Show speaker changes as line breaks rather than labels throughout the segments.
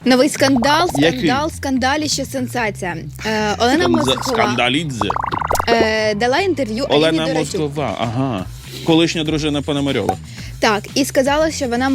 Новий скандал,
Який?
скандаліще, сенсація. Олена Москова
Скандалідзе.
дала інтерв'ю Аліні
Олена
Дорочук.
Москова, ага. Колишня дружина Пономарьова.
Так, і сказала, що вона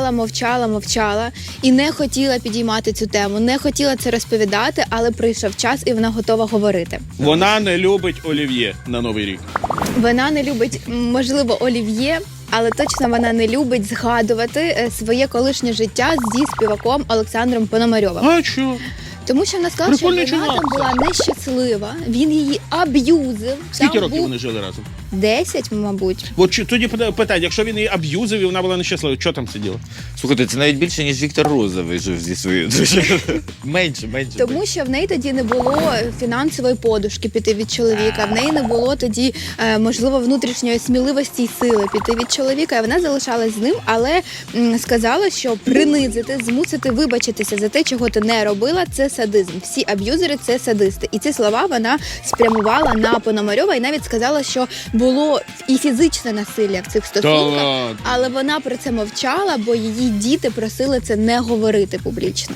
мовчала і не хотіла підіймати цю тему, не хотіла це розповідати, але прийшов час і вона готова говорити.
Вона не любить олів'є на Новий рік.
Вона не любить, можливо, олів'є, але точно вона не любить згадувати своє колишнє життя зі співаком Олександром Пономарьовим.
А що?
Тому що вона сказала, що
Прикольний
вона там
чувак,
була нещаслива, він її аб'юзив.
Скільки
Там
років
був
вони жили разом?
10, мабуть.
От тоді питання, якщо він її аб'юзив і вона була нещаслива, що там сиділо?
Слухайте, це навіть більше, ніж Віктор Розовий жив зі своєю дружиною. Менше.
Тому що в неї тоді не було фінансової подушки піти від чоловіка, в неї не було тоді, можливо, внутрішньої сміливості й сили піти від чоловіка, і вона залишалась з ним, але сказала, що принизити, змусити вибачитися за те, чого ти не робила, це садизм. Всі аб'юзери – це садисти. І ці слова вона спрямувала на Пономарьова і навіть сказала, що було і фізичне насилля в цих стосунках, але вона про це мовчала, бо її діти просили це не говорити публічно.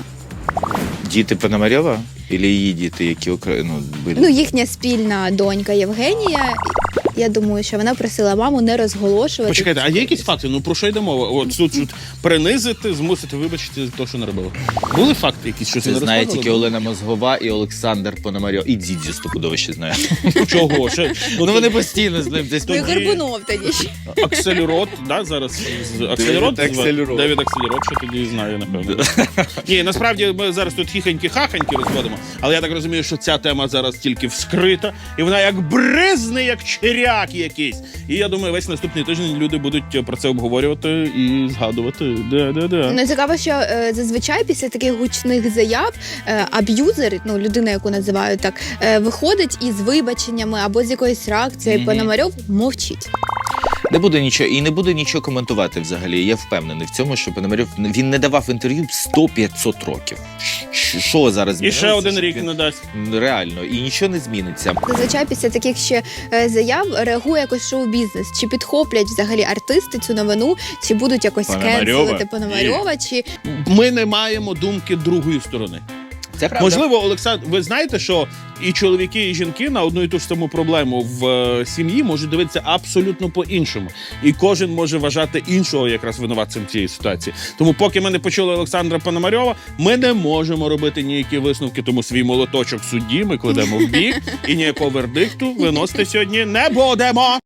Діти Пономарьова? Или її діти, які були?
Ну, їхня спільна донька Євгенія, я думаю, що вона просила маму не розголошувати.
Почекайте, а є якісь факти? Ну про що йде мова? От тут принизити, змусити вибачити те, що не робила. Були факти якісь, що це
Це
не
знає
розказували?
тільки Олена Мозгова і Олександр Пономарьов. І Дзідзі стопудово ще знає.
Чого?
Ну вони постійно з ним десь.
Ну, і Горбунов тоді ще.
Акселерот, да, зараз? Акселерот?
Акселерот.
Девід Акселерот, що тоді знає, напевно. Ні, насправді ми зараз тут хіхоньки-хахоньки розводимо, але я так розумію, що ця тема зараз тільки вскрита, і вона як бризне, як черяк якийсь. І я думаю, весь наступний тиждень люди будуть про це обговорювати і згадувати. Да.
Ну, цікаво, що зазвичай після таких гучних заяв аб'юзер, ну, людина, яку називають так, виходить із вибаченнями або з якоюсь реакцією. Пономарьов мовчить.
Не буде нічого, і не буде нічого коментувати взагалі. Я впевнений в цьому, що Пономарьов, він не давав інтерв'ю 100-500 років. Що зараз
І
змінилося?
ще один рік не дасть.
Реально, і нічого не зміниться.
Зазвичай після таких ще заяв реагує якось шоу-бізнес. Чи підхоплять взагалі артисти цю новину, чи будуть якось кенселити Пономарьова, чи...
Ми не маємо думки другої сторони.
Це правда.
Можливо, Олександр, ви знаєте, що і чоловіки, і жінки на одну і ту ж саму проблему в сім'ї можуть дивитися абсолютно по-іншому. І кожен може вважати іншого якраз винуватцем цієї ситуації. Тому поки ми не почули Олександра Пономарьова, ми не можемо робити ніякі висновки, тому свій молоточок судді ми кладемо в бік і ніякого вердикту виносити сьогодні не будемо.